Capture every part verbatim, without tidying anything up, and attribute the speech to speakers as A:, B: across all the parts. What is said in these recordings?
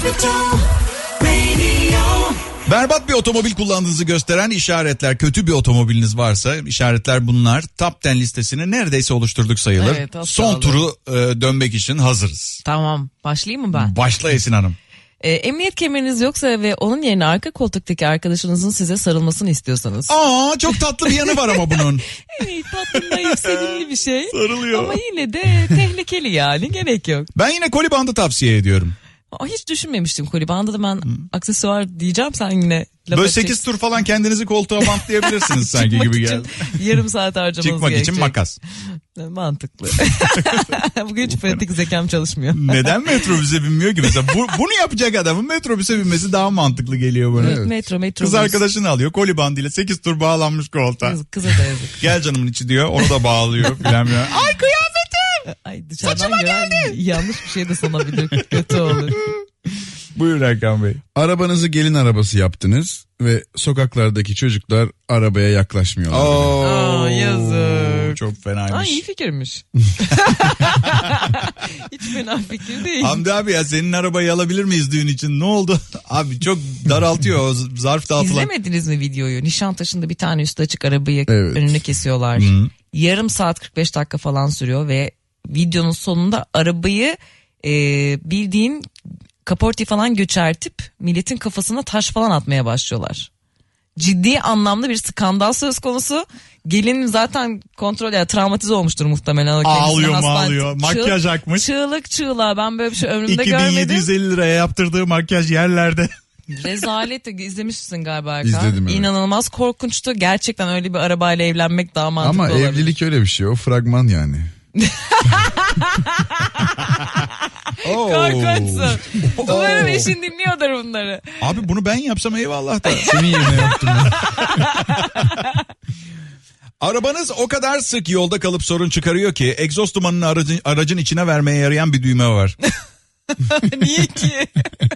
A: Berbat bir otomobil kullandığınızı gösteren işaretler, kötü bir otomobiliniz varsa işaretler bunlar. Top on listesini neredeyse oluşturduk sayılır. Evet, son turu e, dönmek için hazırız.
B: Tamam, başlayayım mı ben?
A: Başla Esin Hanım.
B: E, emniyet kemeriniz yoksa ve onun yerine arka koltuktaki arkadaşınızın size sarılmasını istiyorsanız.
A: Aa, çok tatlı bir yanı var ama bunun.
B: Evet, tatlı, naif, sevimli bir şey.
A: Sarılıyor.
B: Ama yine de tehlikeli yani, gerek yok.
A: Ben yine koli bandı tavsiye ediyorum.
B: Aa, hiç düşünmemiştim koli bandı da ben hmm. aksesuar diyeceğim, sen yine laf
A: böyle sekiz tur falan kendinizi koltuğa bantlayabilirsiniz sanki gibi geldi.
B: Yarım saat harcamanız
A: Çıkmak
B: gerekecek.
A: için makas.
B: Mantıklı. Bugün hiç pratik zekam çalışmıyor.
A: Neden metrobüse binmiyor ki? Mesela bu, bunu yapacak adamın metrobüse binmesi daha mantıklı geliyor bana.
B: Evet. Metro, metro.
A: Kız arkadaşını alıyor koli bandıyla sekiz tur bağlanmış koltuğa.
B: Kız, kıza da yazık.
A: Gel canımın içi diyor, onu da bağlıyor filan filan. Ay kıyafetim!
B: Ay dışarıdan gören yanlış bir şey de sanabilir. Kötü olur.
A: Buyurun Hakan Bey.
C: Arabanızı gelin arabası yaptınız ve sokaklardaki çocuklar arabaya yaklaşmıyorlar.
A: Oo,
B: Aa, yazık.
A: Çok fenaymış.
B: Ay, iyi fikirmiş. Hiç fena fikir değil.
A: Hamdi abi ya, senin arabayı alabilir miyiz düğün için? Ne oldu? Abi çok daraltıyor o zarf dağıtılan.
B: İzlemediniz mi videoyu? Nişantaşı'nda bir tane üstü açık arabayı
C: evet.
B: önüne kesiyorlar. Hı. Yarım saat kırk beş dakika falan sürüyor ve videonun sonunda arabayı e, bildiğin kaporti falan göçertip milletin kafasına taş falan atmaya başlıyorlar. Ciddi anlamda bir skandal söz konusu. Gelin zaten kontrol ya travmatize olmuştur muhtemelen.
A: Ağlıyor mu ağlıyor. Makyaj
B: Çığ,
A: akmış.
B: Çığlık çığlığa, ben böyle bir şey ömrümde görmedim.
A: iki bin yedi yüz elli liraya yaptırdığı makyaj yerlerde.
B: Rezalet. İzlemişsin galiba Erkan.
C: İzledim, evet.
B: İnanılmaz korkunçtu. Gerçekten öyle bir arabayla evlenmek daha mantıklı
C: ama
B: olabilir.
C: Ama evlilik öyle bir şey. O fragman yani.
B: Korkunçsun. Umarım eşin dinliyordur bunları.
A: Abi bunu ben yapsam eyvallah da.
C: Senin yerine yaptım ben.
A: Arabanız o kadar sık yolda kalıp sorun çıkarıyor ki egzoz dumanını aracın, aracın içine vermeye yarayan bir düğme var.
B: Niye ki?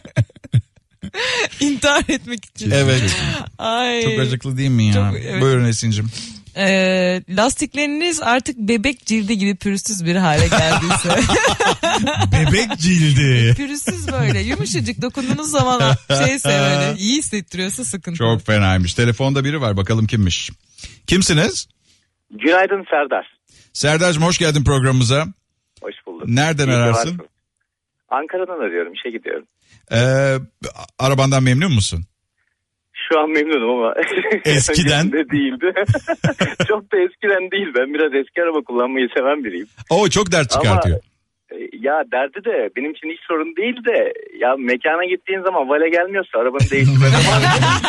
B: İntihar etmek için.
A: Evet.
B: Ay.
A: Çok acıklı değil mi ya? Çok, evet. Buyurun Esin'cim.
B: Ee, lastikleriniz artık bebek cildi gibi pürüzsüz bir hale geldiyse.
A: Bebek cildi.
B: Pürüzsüz böyle yumuşacık, dokunduğunuz zaman şeyse böyle iyi hissettiriyorsa sıkıntı.
A: Çok fenaymış. Telefonda biri var, bakalım kimmiş. Kimsiniz?
D: Günaydın Serdar.
A: Serdar'cığım hoş geldin programımıza.
D: Hoş bulduk.
A: Nereden İyi ararsın?
D: Ankara'dan arıyorum, işe gidiyorum.
A: Ee, arabandan memnun musun?
D: Şu an memnunum ama
A: eskiden
D: de değildi. Çok da eskiden değil. Ben biraz eski araba kullanmayı seven biriyim.
A: Oo, çok dert çıkartıyor.
D: Ama ya derdi de benim için hiç sorun değil de ya mekana gittiğin zaman vale gelmiyorsa arabanı değiştirme zamanı.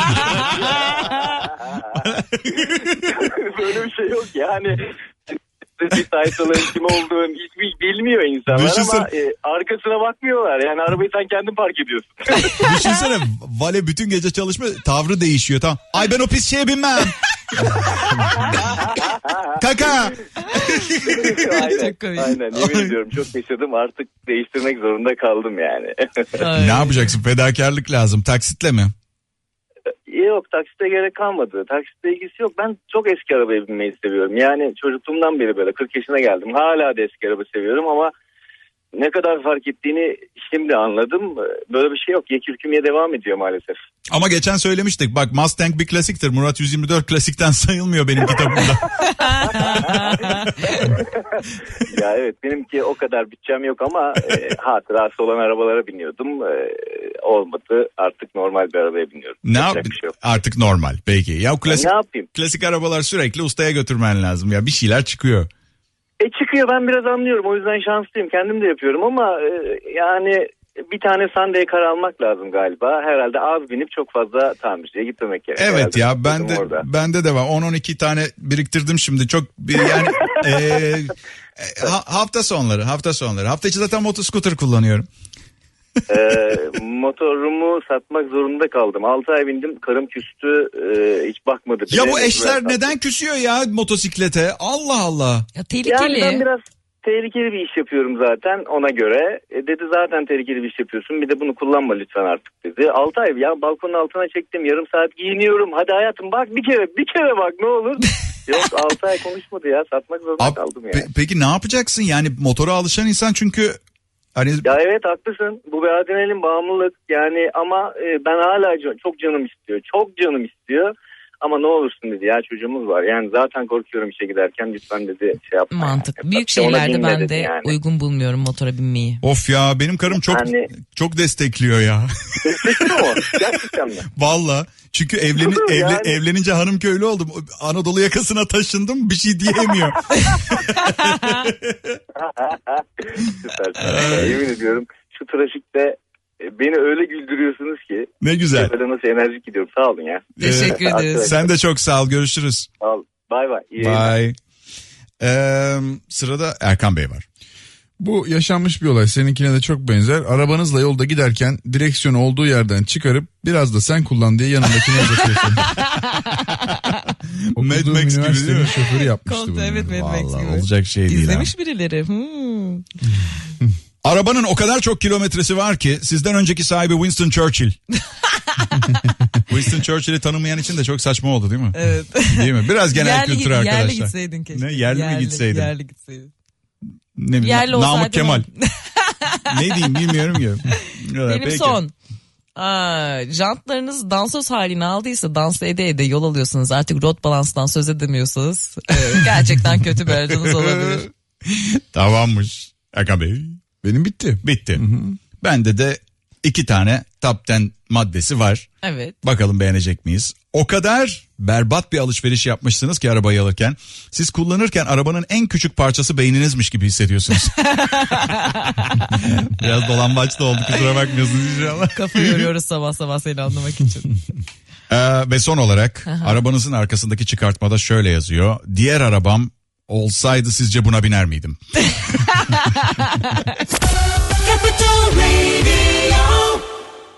D: Böyle bir şey yok yani. Bir taytalığın kim olduğunu hiç bilmiyor insanlar. Düşünsene. Ama e, arkasına bakmıyorlar. Yani arabayı sen kendin park ediyorsun.
A: Düşünsene, vale bütün gece çalışma, tavrı değişiyor. Tamam. Ay ben o pis şeye binmem. Kaka.
D: Aynen, aynen. Yemin ediyorum çok yaşadım, artık değiştirmek zorunda kaldım yani.
A: Ne yapacaksın? Fedakarlık lazım. Taksitle mi?
D: Yok, taksite gerek kalmadı. Taksitle ilgisi yok. Ben çok eski arabaya binmeyi seviyorum. Yani çocukluğumdan beri böyle kırk yaşına geldim. Hala da eski araba seviyorum ama ne kadar fark ettiğini şimdi anladım. Böyle bir şey yok. Yekürkümeye devam ediyor maalesef.
A: Ama geçen söylemiştik. Bak Mustang bir klasiktir. Murat yüz yirmi dört klasikten sayılmıyor benim kitabımda.
D: Ya evet, benimki o kadar bütçem yok ama e, hatırası olan arabalara biniyordum. E, olmadı. Artık normal bir arabaya biniyorum.
A: Ne yap? Şey artık normal. Peki. Ya klasik,
D: ne yapayım?
A: Klasik arabalar sürekli ustaya götürmen lazım. Ya bir şeyler çıkıyor.
D: E çıkıyor, ben biraz anlıyorum, o yüzden şanslıyım, kendim de yapıyorum ama e, yani bir tane Sunday Car almak lazım galiba, herhalde az binip çok fazla tamirciye gitmemek gerekiyor.
A: Evet
D: herhalde.
A: Ya ben de
D: orada.
A: bende de var on on iki tane biriktirdim şimdi, çok yani e, ha, hafta sonları hafta sonları hafta içi zaten motoscooter kullanıyorum.
D: e, motorumu satmak zorunda kaldım. altı ay bindim, karım küstü, e, hiç bakmadı.
A: Ya bu eşler neden küsüyor ya motosiklete? Allah Allah.
B: Ya tehlikeli.
D: Yani ben biraz tehlikeli bir iş yapıyorum zaten ona göre. E, dedi zaten tehlikeli bir iş yapıyorsun, bir de bunu kullanma lütfen artık dedi. altı ay ya, balkonun altına çektim, yarım saat giyiniyorum. Hadi hayatım bak bir kere bir kere bak ne olur. Yok, altı ay konuşmadı ya, satmak zorunda
A: Abi,
D: kaldım ya.
A: Pe- peki ne yapacaksın yani, motora alışan insan çünkü Hani...
D: Ya evet haklısın. Bu bir adrenalin bağımlılık yani ama e, ben hala can, çok canım istiyor. Çok canım istiyor. Ama ne olursun dedi ya çocuğumuz var. Yani zaten korkuyorum işe giderken lütfen dedi şey yapma.
B: Mantık.
D: Yani.
B: Büyük
D: İşte
B: şehirlerde ben de
D: yani.
B: uygun bulmuyorum motora binmeyi.
A: Of ya benim karım çok yani... çok destekliyor ya.
D: Destekliyor mu? Gerçekten mi?
A: Valla. Çünkü evleni, evle, yani. evlenince hanım köylü oldum. Anadolu yakasına taşındım bir şey diyemiyor.
D: Süper. Yemin ediyorum şu trafikte beni öyle güldürüyorsunuz ki.
A: Ne güzel.
D: Böyle nasıl enerjik gidiyorum. Sağ olun ya.
B: Teşekkür ederiz.
A: Sen de çok sağ ol. Görüşürüz.
D: Sağ ol. Bay bay.
A: Bye. Ee, sırada Erkan Bey var.
C: Bu yaşanmış bir olay. Seninkine de çok benzer. Arabanızla yolda giderken direksiyonu olduğu yerden çıkarıp biraz da sen kullan diye yanındakine uzatıyorsun.
A: Mad Max gibi değil mi?
C: Şoförü yapmıştı bunu.
B: Evet, Mad Max gibi.
A: Olacak şey değil.
B: İzlemiş ha. Birileri. Hmm.
A: Arabanın o kadar çok kilometresi var ki sizden önceki sahibi Winston Churchill. Winston Churchill'i tanımayan için de çok saçma oldu değil mi?
B: Evet.
A: Değil mi? Biraz genel
B: yerli,
A: kültür arkadaşlar.
B: Yerli gitseydin keşke.
A: Ne yerli, yerli mi gitseydin?
B: Yerli gitseydin.
A: Ne bileyim,
B: yerli
A: Namık Kemal. Ne diyeyim bilmiyorum ki.
B: Benim
A: Peki.
B: son. Aa, jantlarınız dansöz halini aldıysa dans ede ede yol alıyorsunuz. Artık rot balanstan söz edemiyorsanız e, gerçekten kötü bir aracınız olabilir.
A: Tamammış. Erkan Bey.
C: Benim bitti.
A: Bitti. Hı hı. Bende de iki tane top on maddesi var.
B: Evet.
A: Bakalım beğenecek miyiz? O kadar berbat bir alışveriş yapmışsınız ki arabayı alırken. Siz kullanırken arabanın en küçük parçası beyninizmiş gibi hissediyorsunuz. Biraz dolambaçlı oldu, kusura bakmıyorsunuz inşallah.
B: Kafa yoruyoruz sabah sabah seni anlamak için.
A: Ee, ve son olarak
B: Aha.
A: arabanızın arkasındaki çıkartmada şöyle yazıyor. Diğer arabam olsaydı sizce buna biner miydim?